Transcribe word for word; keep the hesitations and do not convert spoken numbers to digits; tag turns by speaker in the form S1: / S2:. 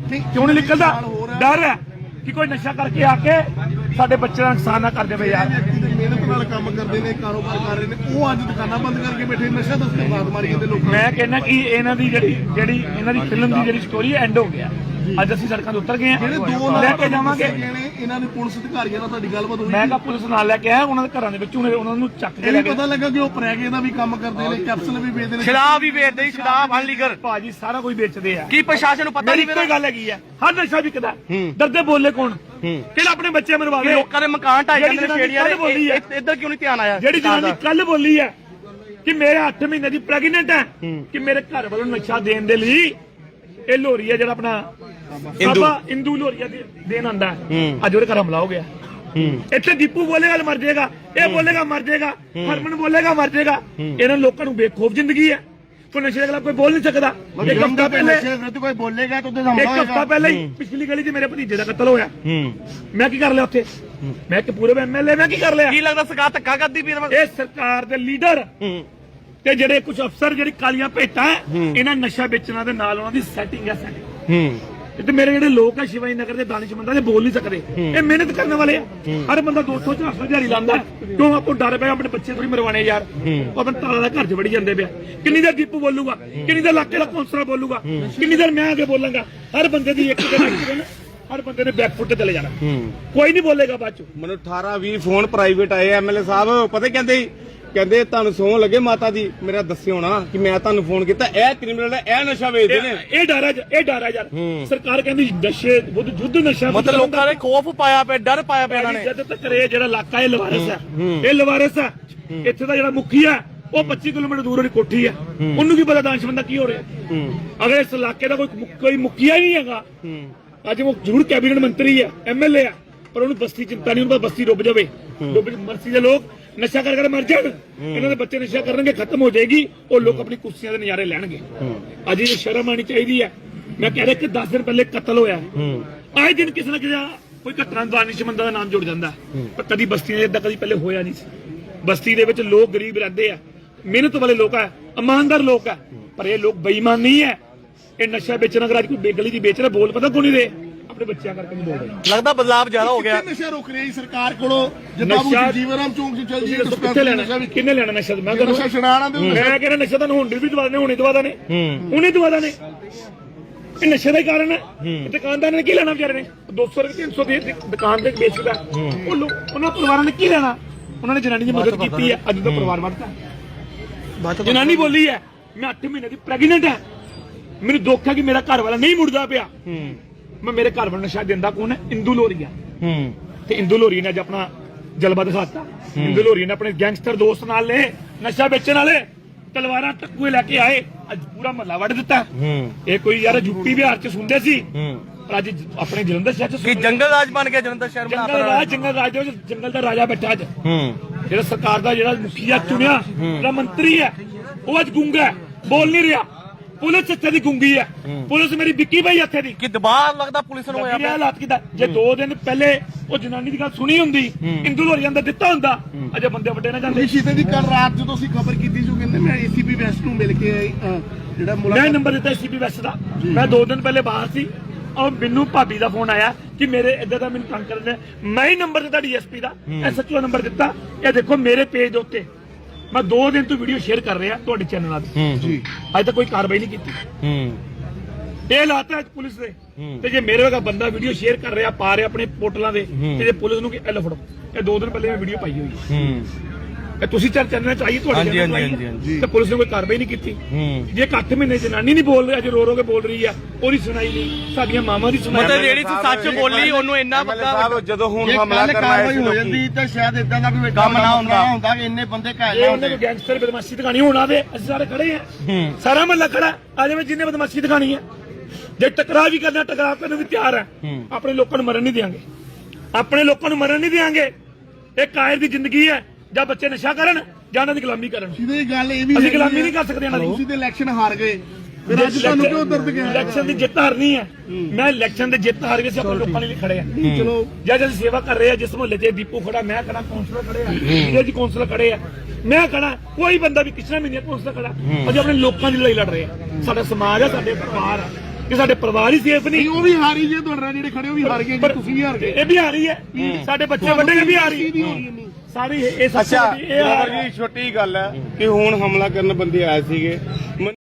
S1: क्यों नहीं निकलता? डर है कि कोई नशा करके आके साडे बच्चे का नुकसान ना कर दे यार।
S2: ਮਿਹਨਤ ਨਾਲ ਕੰਮ ਕਰਦੇ ਨੇ, ਕਾਰੋਬਾਰ ਕਰ ਰਹੇ ਨੇ, ਉਹ ਅੱਜ ਦੁਕਾਨਾਂ ਬੰਦ ਕਰਕੇ ਬੈਠੇ ਨਸ਼ਾ ਦਸਤੇ ਬਾਤ ਮਾਰੀ ਜਾਂਦੇ ਲੋਕ।
S1: मैं कहना कि इन्हां दी ਜਿਹੜੀ ਜਿਹੜੀ ਇਹਨਾਂ ਦੀ ਫਿਲਮ ਦੀ ਜਿਹੜੀ ਸਟੋਰੀ ਐਂਡ ਹੋ ਗਿਆ। ਅੱਜ ਅਸੀਂ ਸੜਕਾਂ ਤੇ ਉਤਰ ਗਏ ਆ, ਲੈ ਕੇ ਜਾਵਾਂਗੇ
S2: ਇਹਨਾਂ ਨੇ ਪੁਲਿਸ ਅਧਿਕਾਰੀਆਂ ਨਾਲ ਤੁਹਾਡੀ ਗੱਲਬਾਤ ਹੋਈ?
S1: ਮੈਂ ਕਿਹਾ ਪੁਲਿਸ ਨਾਲ ਲੈ ਕੇ ਆਇਆ, ਉਹਨਾਂ ਦੇ ਘਰਾਂ ਦੇ ਵਿੱਚ ਉਹਨਾਂ ਨੂੰ ਚੱਕ ਕੇ ਲੈ ਕੇ
S2: ਪਤਾ ਲੱਗਾ ਕਿ ਉਹ ਪ੍ਰੈਗੇ ਦਾ ਵੀ ਕੰਮ ਕਰਦੇ ਨੇ, ਕੈਪਸੂਲ ਵੀ ਵੇਚਦੇ ਨੇ,
S3: ਸ਼ਰਾਬ ਵੀ ਵੇਚਦੇ, ਸ਼ਰਾਬ ਅਨਲੀਗਲ
S1: ਭਾਜੀ ਸਾਰਾ ਕੁਝ ਵੇਚਦੇ ਆ।
S3: ਕੀ ਪ੍ਰਸ਼ਾਸਨ ਨੂੰ ਪਤਾ ਨਹੀਂ?
S1: ਕੋਈ ਗੱਲ ਹੈਗੀ ਆ, ਹਰ ਨਸ਼ਾ ਵਿਕਦਾ। ਡਰਦੇ ਬੋਲੇ ਕੌਣ? ਕਿਹੜਾ ਆਪਣੇ ਬੱਚੇ ਮਰਵਾਵੇ?
S3: ਲੋਕਾਂ ਦੇ ਮਕਾਨ ਢਾਈ ਜਾਂਦੇ ਨੇ ਛੇੜੀਆਂ ਦੇ, ਇੱਧਰ ਕਿਉਂ ਨਹੀਂ ਧਿਆਨ ਆਇਆ?
S1: ਜਿਹੜੀ ਜਨਾਨੀ ਕੱਲ ਬੋਲੀ ਹੈ ਕਿ ਮੇਰੇ ਅੱਠ ਮਹੀਨੇ ਦੀ ਪ੍ਰੈਗਨੈਂਟ ਹੈ, ਕਿ ਮੇਰੇ ਘਰ ਵੱਲੋਂ ਨਸ਼ਾ ਦੇਣ ਦੇ ਲਈ ਇਹ ਲੋਰੀਆ ਜਿਹੜਾ ਆਪਣਾ ਬਾਬਾ ਇੰਦੂ ਲੋਰੀਆ ਦੇਣ ਆਂਦਾ, ਅੱਜ ਉਹਦੇ ਘਰ ਹਮਲਾ ਹੋ ਗਿਆ। ਇੱਥੇ ਦੀਪੂ ਬੋਲੇਗਾ ਮਰ ਜਾਏਗਾ, ਇਹ ਬੋਲੇਗਾ ਮਰ ਜਾਏਗਾ, ਹਰਮਨ ਬੋਲੇਗਾ ਮਰ ਜਾਏਗਾ। ਇਹਨਾਂ ਲੋਕਾਂ ਨੂੰ ਬੇਖੌਫ ਜ਼ਿੰਦਗੀ ਹੈ, ਕੋਈ ਨਸ਼ੇ ਦੇ ਖਿਲਾਫ ਕੋਈ ਬੋਲ ਨਹੀਂ ਸਕਦਾ। ਇੱਕ ਹਫ਼ਤਾ ਪਹਿਲੇ
S2: ਕੋਈ ਬੋਲੇਗਾ ਤਾਂ
S1: ਇੱਕ ਹਫ਼ਤਾ ਪਹਿਲੇ ਹੀ ਪਿਛਲੀ ਗਲੀ 'ਚ ਮੇਰੇ ਭਤੀਜੇ ਦਾ ਕਤਲ ਹੋਇਆ। ਮੈਂ ਕੀ ਕਰ ਲਿਆ ਉੱਥੇ? ਮੈਂ ਕਿ ਪੂਰੇ ਐਮਐਲਏ ਮੈਂ ਕੀ ਕਰ ਲਿਆ?
S3: ਕੀ ਲੱਗਦਾ ਸਰਕਾਰ ਧੱਕਾ ਕਰਦੀ ਪਈ?
S1: ਇਹ ਸਰਕਾਰ ਦੇ ਲੀਡਰ ਤੇ ਜਿਹੜੇ ਕੁਝ ਅਫਸਰ ਜਿਹੜੀ ਕਾਲੀਆਂ ਭੇਟਾਂ ਇਹਨਾਂ ਨਸ਼ਾ ਵੇਚਣਾ ਦੇ ਨਾਲ ਉਹਨਾਂ ਦੀ ਸੈਟਿੰਗ ਹੈ ਸਾਡੀ। ਤੇ ਮੇਰੇ ਜਿਹੜੇ ਲੋਕ ਆ ਸ਼ਿਵਾਜੀ ਨਗਰ ਦੇ ਦਾਨਿਸ਼ਮੰਦਾਂ ਦੇ ਬੋਲ ਨਹੀਂ ਸਕਦੇ, ਇਹ ਮਿਹਨਤ ਕਰਨ ਵਾਲੇ ਆ। ਹਰ ਬੰਦਾ ਦੋ ਸੌ ਚਾਰ ਸੌ ਦਿਹਾੜੀ ਲਾਉਂਦਾ, ਕਿਉਂ ਆਪੋ ਡਰ ਪਿਆ ਆਪਣੇ ਬੱਚੇ ਥੋੜੀ ਮਰਵਾਣੇ ਯਾਰ। ਉਹ ਆਪਣੇ ਤਾਲਾ ਦਾ ਘਰ 'ਚ ਵੜੀ ਜਾਂਦੇ ਪਿਆ। ਕਿੰਨੀ ਦੇਰ ਦੀਪੂ ਬੋਲੂਗਾ, ਕਿੰਨੀ ਦੇਰ ਇਲਾਕੇ ਦਾ ਕੌਂਸਲਰ ਬੋਲੂਗਾ, ਕਿੰਨੀ ਦੇਰ ਮੈਂ ਅੱਗੇ ਬੋਲਾਂਗਾ। ਹਰ ਬੰਦੇ ਦੀ ਇੱਕ ਦਿਨ ਹਰ ਬੰਦੇ ਨੇ ਬੈਕਫੁੱਟ ਤੇ ਚਲੇ ਜਾਣਾ, ਕੋਈ ਨਹੀਂ ਬੋਲੇਗਾ ਬਾਅਦ 'ਚ।
S4: ਮੈਨੂੰ ਅਠਾਰਾਂ ਵੀਹ ਫੋਨ ਪ੍ਰਾਈਵੇਟ ਆਏ ਐਮਐਲਏ ਸਾਹਿਬ, ਪਤਾ ਕਹਿੰਦੇ ਕਹਿੰਦੇ ਤੁਹਾਨੂੰ ਸੌਂ ਲੱਗੇ ਮਾਤਾ ਦੀ, ਮੇਰਾ ਦੱਸਿਓ ਨਾ ਕਿ ਮੈਂ ਤੁਹਾਨੂੰ ਫੋਨ ਕੀਤਾ। ਇਹ ਕ੍ਰਿਮੀਨਲ ਹੈ, ਇਹ ਨਸ਼ਾ ਵੇਚਦੇ ਨੇ।
S1: ਇਹ ਡਰ ਹੈ, ਇਹ ਡਰ ਹੈ ਯਾਰ। ਸਰਕਾਰ ਕਹਿੰਦੀ ਨਸ਼ੇ ਵਿਰੁੱਧ ਯੁੱਧ ਨਸ਼ਾ,
S3: ਮਤਲਬ ਲੋਕਾਂ ਨੇ ਖੌਫ ਪਾਇਆ ਪਿਆ, ਡਰ ਪਾਇਆ ਪਿਆ ਇਹਨਾਂ ਨੇ।
S1: ਜਦ ਤੱਕ ਇਹ ਜਿਹੜਾ ਇਲਾਕਾ ਇਹ ਲਵਾਰਸ ਹੈ, ਇਹ ਲਵਾਰਸ ਹੈ। ਇੱਥੇ ਦਾ ਜਿਹੜਾ ਮੁਖੀ ਹੈ ਉਹ ਪੱਚੀ ਕਿਲੋਮੀਟਰ ਦੂਰ ਉਹਦੀ ਕੋਠੀ ਹੈ, ਉਹਨੂੰ ਕੀ ਪਤਾ ਦਾਨਿਸ਼ਮੰਦ ਕੀ ਹੋ ਰਿਹਾ। ਅਗਰ ਇਸ ਇਲਾਕੇ ਦਾ ਕੋਈ ਕੋਈ ਮੁਖੀਆ ਹੀ ਨਹੀਂ ਹੈਗਾ, ਅੱਜ ਉਹ ਜ਼ਰੂਰ ਕੈਬਨਿਟ ਮੰਤਰੀ ਹੈ, ਐਮਐਲਏ ਹੈ, ਪਰ ਉਹਨੂੰ ਬਸਤੀ ਚਿੰਤਾ ਨਹੀਂ, ਉਹਨੂੰ ਬਸਤੀ ਡੁੱਬ ਜਾਵੇ, ਡੁੱਬ ਮਰਸੀ ਦੇ ਲੋਕ ਨਸ਼ਾ ਕਰ ਕਰ ਮਰ ਜਾਣ, ਇਹਨਾਂ ਦੇ ਬੱਚੇ ਨਸ਼ਾ ਕਰਨਗੇ, ਖਤਮ ਹੋ ਜਾਏਗੀ, ਉਹ ਲੋਕ ਆਪਣੀ ਕੁਰਸੀਆਂ ਦੇ ਨਜ਼ਾਰੇ ਲੈਣਗੇ। ਅੱਜ ਇਹ ਸ਼ਰਮ ਆਣੀ ਚਾਹੀਦੀ ਹੈ। ਮੈਂ ਕਹਿ ਰਿਹਾ ਕਿ ਦਸ ਦਿਨ ਪਹਿਲੇ ਕਤਲ ਹੋਇਆ, ਆਏ ਦਿਨ ਕਿਸੇ ਨਾ ਕਿਸੇ ਕੋਈ ਘਟਨਾ ਦਾਨਿਸ਼ਮੰਦਾਂ ਦਾ ਨਾਮ ਜੁੜ ਜਾਂਦਾ, ਪਰ ਕਦੀ ਬਸਤੀਆਂ ਏਦਾਂ ਕਦੀ ਪਹਿਲੇ ਹੋਇਆ ਨਹੀਂ ਸੀ। ਬਸਤੀ ਦੇ ਵਿੱਚ ਲੋਕ ਗਰੀਬ ਰਹਿੰਦੇ ਆ, ਮਿਹਨਤ ਵਾਲੇ ਲੋਕ ਆ, ਇਮਾਨਦਾਰ ਲੋਕ ਆ, ਪਰ ਇਹ ਲੋਕ ਬੇਈਮਾਨ ਨਹੀਂ ਹੈ। ਇਹ ਨਸ਼ਾ ਵੇਚਣ ਅਗਰ ਅੱਜ ਕੋਈ ਬੇਗਲੀ ਦੀ ਵੇਚ ਰਿਹਾ, ਬੋਲ ਪਤਾ ਕੋਈ ਨਹੀਂ ਦੇ, ਆਪਣੇ ਬੱਚਿਆਂ ਕਰਕੇ ਨਹੀਂ ਬੋਲ ਰਹੇ।
S3: ਲੱਗਦਾ ਬਦਲਾਵ ਜ਼ਿਆਦਾ ਹੋ ਗਿਆ।
S2: ਨਸ਼ਾ ਰੁਕ ਰਿਹਾ ਸਰਕਾਰ ਕੋਲੋਂ, ਜੇ ਬਾਬੂ ਜੀਵਨ ਰਾਮ ਚੌਂਕ 'ਚ ਚੱਲ ਜੀ
S1: ਕਿੱਥੇ ਲੈਣਾ, ਕਿੰਨੇ ਲੈਣਾ ਨਸ਼ਾ? ਮੈਂ
S2: ਨਸ਼ਾ ਛਡਾਣਾ ਦੇ
S1: ਮੈਂ ਕਹਿੰਦਾ ਨਸ਼ਾ ਤਾਂ ਹੁਣ ਵੀ ਦਵਾਦੇ, ਹੁਣੇ ਦਵਾਦਾ ਨੇ, ਹੁਣੇ ਦਵਾਦਾ ਨੇ। ਇਹ ਨਸ਼ੇ ਦਾ ਹੀ ਕਾਰਨ ਹੈ। ਦੁਕਾਨਦਾਰ ਨੇ ਕੀ ਲੈਣਾ ਵਿਚਾਰੇ ਨੇ? ਦੋ ਸੌ ਰੁਪਏ ਤਿੰਨ ਸੌ ਦੀ ਦੁਕਾਨ ਤੇ ਵੇਚਦਾ, ਉਹ ਉਹਨਾਂ ਪਰਿਵਾਰਾਂ ਨੇ ਕੀ ਲੈਣਾ? ਉਹਨਾਂ ਨੇ ਜਨਾਨੀ ਦੀ ਮਦਦ ਕੀਤੀ ਹੈ, ਅੱਜ ਦਾ ਪਰਿਵਾਰ ਵੱਧਦਾ। ਜਨਾਨੀ ਬੋਲੀ ਹੈ ਮੈਂ ਅੱਠ ਮਹੀਨੇ ਦੀ ਪ੍ਰੈਗਨੈਂਟ ਹੈ, ਮੈਨੂੰ ਦੁੱਖ ਹੈ ਕਿ ਮੇਰਾ ਘਰ ਵਾਲਾ ਨਹੀਂ ਮੁੜਦਾ ਪਿਆ। ਮੈਂ ਮੇਰੇ ਘਰ ਵਾਲਾ ਨਸ਼ਾ ਦਿੰਦਾ ਕੌਣ ਹੈ? ਇੰਦੂ ਲੋਰੀਆ। ਤੇ ਇੰਦੂ ਲੋਰੀਆ ਨੇ ਅੱਜ ਆਪਣਾ ਜਲਵਾ ਦਿਖਾਤਾ। ਇੰਦੂ ਲੋਰੀਆ ਨੇ ਆਪਣੇ ਗੈਂਗਸਟਰ ਦੋਸਤ ਨਾਲ ਲੈ ਨਸ਼ਾ ਵੇਚਣ ਵਾਲੇ ਤਲਵਾਰਾਂ ਟੱਕੂਏ ਲੈ ਕੇ ਆਏ, ਅੱਜ ਪੂਰਾ ਮਹੱਲਾ ਵੱਢ ਦਿੱਤਾ। ਇਹ ਕੋਈ ਯਾਰ ਯੂਪੀ ਬਿਹਾਰ 'ਚ ਸੁਣਦੇ ਸੀ, ਪਰ ਅੱਜ ਆਪਣੇ ਜਲੰਧਰ ਸ਼ਹਿਰ 'ਚ
S3: ਕੀ ਜੰਗਲ ਰਾਜ ਬਣ ਗਿਆ ਜਲੰਧਰ ਸ਼ਹਿਰ?
S1: ਜੰਗਲ ਰਾਜ, ਜੰਗਲ ਰਾਜ ਦੇ ਵਿੱਚ ਜੰਗਲ ਦਾ ਰਾਜਾ ਬੈਠਾ ਅੱਜ। ਜਿਹੜਾ ਸਰਕਾਰ ਦਾ ਜਿਹੜਾ ਮੁਖੀਆ ਚੁਣਿਆ, ਜਿਹੜਾ ਮੰਤਰੀ ਹੈ, ਉਹ ਅੱਜ ਗੁੰਗਾ ਹੈ, ਬੋਲ ਨਹੀਂ ਰਿਹਾ। ਪੁਲਿਸ ਇੱਥੇ ਦੀ ਗੁੰਗੀ ਹੈ, ਪੁਲਿਸ ਮੇਰੀ ਵਿੱਕੀ ਭਾਈ ਇੱਥੇ ਦੀ।
S3: ਕੀ ਦਬਾਅ ਲੱਗਦਾ ਪੁਲਿਸ ਨੂੰ ਹੋਇਆ?
S1: ਹਾਲਾਤ ਕਿਦਾ, ਜੇ ਦੋ ਦਿਨ ਪਹਿਲੇ ਉਹ ਜਨਾਨੀ ਦੀ ਗੱਲ ਸੁਣੀ ਹੁੰਦੀ, ਇੰਦੂ ਲੋਰੀਆ ਦਾ ਦਿੱਤਾ ਹੁੰਦਾ, ਅਜੇ ਬੰਦੇ ਵੱਡੇ ਨਾ ਜਾਂਦੇ।
S2: ਸ਼ੀਤੇ ਦੀ ਕੱਲ ਰਾਤ ਜਦੋਂ ਅਸੀਂ ਖਬਰ ਕੀਤੀ ਸੀ, ਕਹਿੰਦੇ ਮੈਂ ਏਸੀਪੀ ਵੈਸਟ ਨੂੰ ਮਿਲ ਕੇ ਜਿਹੜਾ
S1: ਮੈਂ ਨੰਬਰ ਦਿੱਤਾ ਏਸੀਪੀ ਵੈਸਟ ਦਾ। ਮੈਂ ਦੋ ਦਿਨ ਪਹਿਲੇ ਬਾਹਰ ਸੀ, ਔਰ ਮੈਨੂੰ ਭਾਬੀ ਦਾ ਫੋਨ ਆਇਆ ਕਿ ਮੇਰੇ ਇੱਧਰ ਦਾ ਮੈਨੂੰ ਤੰਗ ਕਰਦੇ। ਮੈਂ ਹੀ ਨੰਬਰ ਦਿੱਤਾ ਡੀਐਸਪੀ ਦਾ, ਐਸਐਚਓ ਨੰਬਰ ਦਿੱਤਾ। ਇਹ ਦੇਖੋ ਮੇਰੇ ਪੇਜ ਦੇ ਉੱਤੇ ਮੈਂ ਦੋ ਦਿਨ ਤੋਂ ਵੀਡੀਓ ਸ਼ੇਅਰ ਕਰ ਰਿਹਾ ਤੁਹਾਡੇ ਚੈਨਲਾਂ ਤੇ, ਅੱਜ ਤੱਕ ਕੋਈ ਕਾਰਵਾਈ ਨਹੀਂ ਕੀਤੀ। ਇਹ ਲਾਤਾ ਪੁਲਿਸ ਦੇ। ਤੇ ਜੇ ਮੇਰੇ ਵਰਗਾ ਬੰਦਾ ਵੀਡੀਓ ਸ਼ੇਅਰ ਕਰ ਰਿਹਾ, ਪਾ ਰਿਹਾ ਆਪਣੇ ਪੋਰਟਲਾਂ ਦੇ, ਤੇ ਜੇ ਪੁਲਿਸ ਨੂੰ ਕਿ ਐ ਲਫੜੋ, ਇਹ ਦੋ ਦਿਨ ਪਹਿਲੇ ਮੈਂ ਵੀਡੀਓ ਪਾਈ ਹੋਈ ਹੈ, ਇਹ ਤੁਸੀਂ ਚਰ ਚੈਨਲ ਚਾਹੀਏ ਤੁਹਾਡੇ ਚੈਨਲ, ਤੇ ਪੁਲਿਸ ਨੇ ਕੋਈ ਕਾਰਵਾਈ ਨਹੀਂ ਕੀਤੀ। ਜੇ ਇੱਕ ਅੱਠ ਮਹੀਨੇ ਜਨਾਨੀ ਨਹੀਂ ਬੋਲ ਰਹੀ, ਅੱਜ ਰੋ ਰੋ ਕੇ ਬੋਲ ਰਹੀ ਆ, ਉਹਦੀ ਸੁਣਾਈ ਨਹੀਂ, ਸਾਡੀਆਂ ਮਾਵਾਂ ਦੀ ਸੁਣਾਈ।
S3: ਮਤਲਬ ਜਿਹੜੀ ਸੱਚ ਬੋਲੀ ਉਹਨੂੰ ਇੰਨਾ ਪਤਾ,
S4: ਜਦੋਂ ਹੁਣ ਹਮਲਾ ਕਰਨਾ
S2: ਹੋ ਜਾਂਦੀ ਤਾਂ ਸ਼ਾਇਦ ਇਦਾਂ ਦਾ ਕੋਈ ਕੰਮ ਨਾ ਹੁੰਦਾ ਹੁੰਦਾ ਕਿ ਇੰਨੇ ਬੰਦੇ ਘਾਇਲ ਨਾ ਹੁੰਦੇ।
S1: ਗੈਂਗਸਟਰ ਬਦਮਾਸ਼ੀ ਦਿਖਾਣੀ ਹੋਣਾ ਦੇ, ਅਸੀਂ ਸਾਰੇ ਖੜੇ ਆ, ਸਾਰਾ ਮਹੱਲਾ ਖੜਾ ਆ ਜਾਵੇ ਜਿੰਨੇ ਬਦਮਾਸ਼ੀ ਦਿਖਾਣੀ ਹੈ। ਜੇ ਟਕਰਾਅ ਵੀ ਕਰਨਾ, ਟਕਰਾਅ ਕਰਨ ਨੂੰ ਵੀ ਤਿਆਰ ਹੈ। ਆਪਣੇ ਲੋਕਾਂ ਨੂੰ ਮਰਨ ਨਹੀਂ ਦਿਆਂਗੇ, ਆਪਣੇ ਲੋਕਾਂ ਨੂੰ ਮਰਨ ਨਹੀਂ ਦਿਆਂਗੇ। ਇਹ ਕਾਇਰ ਦੀ ਜ਼ਿੰਦਗੀ ਹੈ, ਜਾਂ ਬੱਚੇ ਨਸ਼ਾ ਕਰਨ ਜਾਂ ਉਹਨਾਂ ਦੀ ਗੁਲਾਮੀ ਕਰਨ।
S2: ਸਿੱਧੀ ਗੱਲ ਇਹ ਵੀ
S1: ਅਸੀਂ ਗੁਲਾਮੀ ਨਹੀਂ ਕਰ ਸਕਦੇ ਇਹਨਾਂ ਦੀ।
S2: ਤੁਸੀਂ ਤੇ ਇਲੈਕਸ਼ਨ ਹਾਰ ਗਏ, ਫਿਰ ਅੱਜ ਤੁਹਾਨੂੰ ਕਿਉਂ ਦਰਦ ਗਿਆ?
S1: ਇਲੈਕਸ਼ਨ ਦੀ ਜਿੱਤ ਹਾਰਨੀ ਹੈ, ਮੈਂ ਇਲੈਕਸ਼ਨ ਦੇ ਜਿੱਤ ਹਾਰ ਕੇ ਅਸੀਂ ਆਪਣੇ ਲੋਕਾਂ ਲਈ ਖੜੇ ਆ। ਚਲੋ ਜਦ ਅਸੀਂ ਸੇਵਾ ਕਰ ਰਹੇ ਆ, ਜਿਸ ਮੁਹੱਲੇ 'ਚ ਦੀਪੂ ਖੜਾ, ਮੈਂ ਖੜਾ, ਕੌਂਸਲਰ ਖੜੇ ਆ, ਜੀ ਕੌਂਸਲਰ ਖੜੇ ਆ, ਮੈਂ ਖੜਾ, ਕੋਈ ਬੰਦਾ ਵੀ ਕਿਸੇ ਮਹੀਨੇ ਕੌਂਸਲਰ ਖੜਾ। ਅਸੀਂ ਆਪਣੇ ਲੋਕਾਂ ਦੀ ਲੜਾਈ ਲੜ ਰਹੇ ਆ। ਸਾਡਾ ਸਮਾਜ ਆ, ਸਾਡੇ ਪਰਿਵਾਰ ਆ, ਕਿ ਸਾਡੇ ਪਰਿਵਾਰ ਹੀ ਸੇਫ
S2: ਨਹੀਂ
S1: ਨਹੀਂ।
S2: ਉਹ ਵੀ ਹਾਰੀ ਜੇ ਤੁਹਾਡੇ ਨਾਲ ਜਿਹੜੇ ਖੜੇ ਉਹ ਵੀ ਹਾਰ ਗਏ ਜੀ, ਤੁਸੀਂ ਵੀ ਹਾਰ ਗਏ।
S1: ਇਹ ਵੀ ਆ ਰਹੀ ਹੈ, ਸਾਡੇ ਬੱਚੇ ਵੱਡੇ ਵੀ ਆ ਰਹੀ
S2: ਦੀ ਹੋ ਰਹੀ ਹੈ ਨਹੀਂ।
S1: ਸਾਰੀ ਇਹ ਸਭ ਤੋਂ
S4: ਅੱਛਾ
S1: ਵੱਡੀ ਇਹ ਆ
S4: ਜੀ ਛੋਟੀ ਗੱਲ ਹੈ ਕਿ ਹੁਣ ਹਮਲਾ ਕਰਨ ਬੰਦੇ ਆਏ ਸੀਗੇ